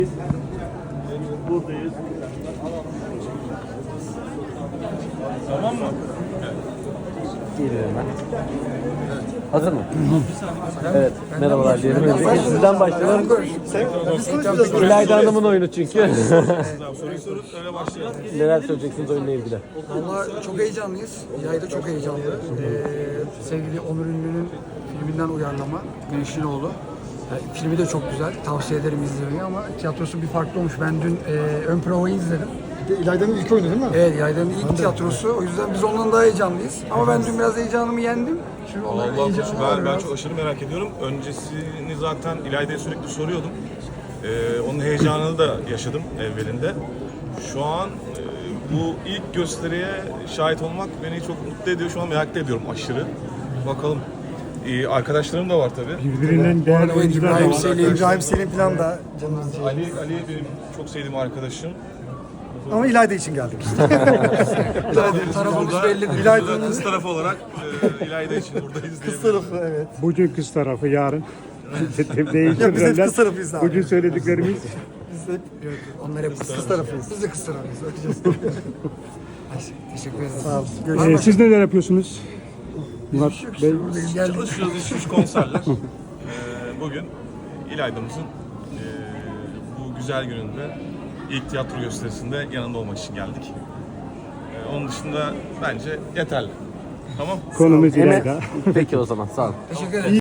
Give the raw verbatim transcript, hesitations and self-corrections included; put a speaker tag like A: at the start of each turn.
A: Buradayız. Tamam mı?
B: Geliyorum ben. Hazır mı? Evet. Merhabalar diyelim. Öncelikle sizden başlayalım. İlayda Hanım'ın oyunu çünkü.
A: Soruyu sorun öyle başlayalım.
B: Neler söyleyeceksiniz oyunla ilgili?
C: Valla çok heyecanlıyız. İlayda çok heyecanlı. Ee, sevgili Onur Ünlü'nün filminden uyarlama. Güneşin Oğlu. Yani filmi de çok güzel. Tavsiye ederim izlemeyi ama tiyatrosu bir farklı olmuş. Ben dün e, ön provayı izledim.
D: İlayda'nın ilk oyunu değil mi?
C: Evet, İlayda'nın ilk tiyatrosu. O yüzden biz ondan daha heyecanlıyız. Ama ben dün biraz heyecanımı yendim. Şimdi onların
A: Allah
C: heyecanı var
A: ben, ben
C: biraz.
A: çok aşırı merak ediyorum. Öncesini zaten İlayda'ya sürekli soruyordum. Ee, onun heyecanını da yaşadım evvelinde. Şu an e, bu ilk gösteriye şahit olmak beni çok mutlu ediyor. Şu an merak da ediyorum aşırı. Bakalım. Ee, arkadaşlarım da var tabii.
D: Birbirinden değerli oyuncular
C: İbrahim
D: var.
C: Selim,
D: İbrahim Selim falan da canımız ciğer.
A: Ali, Ali benim çok sevdiğim arkadaşım.
D: Ama İlayda için geldik işte.
C: tarafımız bellidir.
A: İlayda'nın kız tarafı olarak e, İlayda için buradayız.
D: Kız tarafı evet.
E: Bugün kız tarafı, yarın
D: Ya biz hep kız tarafıyız abi.
E: Bugün söylediklerimiz
D: Biz hep
C: Onlar hep kız,
D: kız tarafıyız.
C: Biz de kız tarafıyız. Bakacağız. Ay, teşekkür ederiz.
D: Sağ ol.
E: Ee,
D: Görüşürüz.
E: siz neler yapıyorsunuz? Murat Bey,
C: Buradayız, geldik.
A: Çalışıyoruz, iş güç konserler. Ee, bugün İlayda'mızın e, bu güzel gününde ilk tiyatro gösterisinde yanında olmak için geldik. Ee, onun dışında bence yeterli. Tamam.
E: konumuz
B: Hemen-
E: İlayda.
B: Peki o zaman sağ olun.
C: Teşekkür ederim.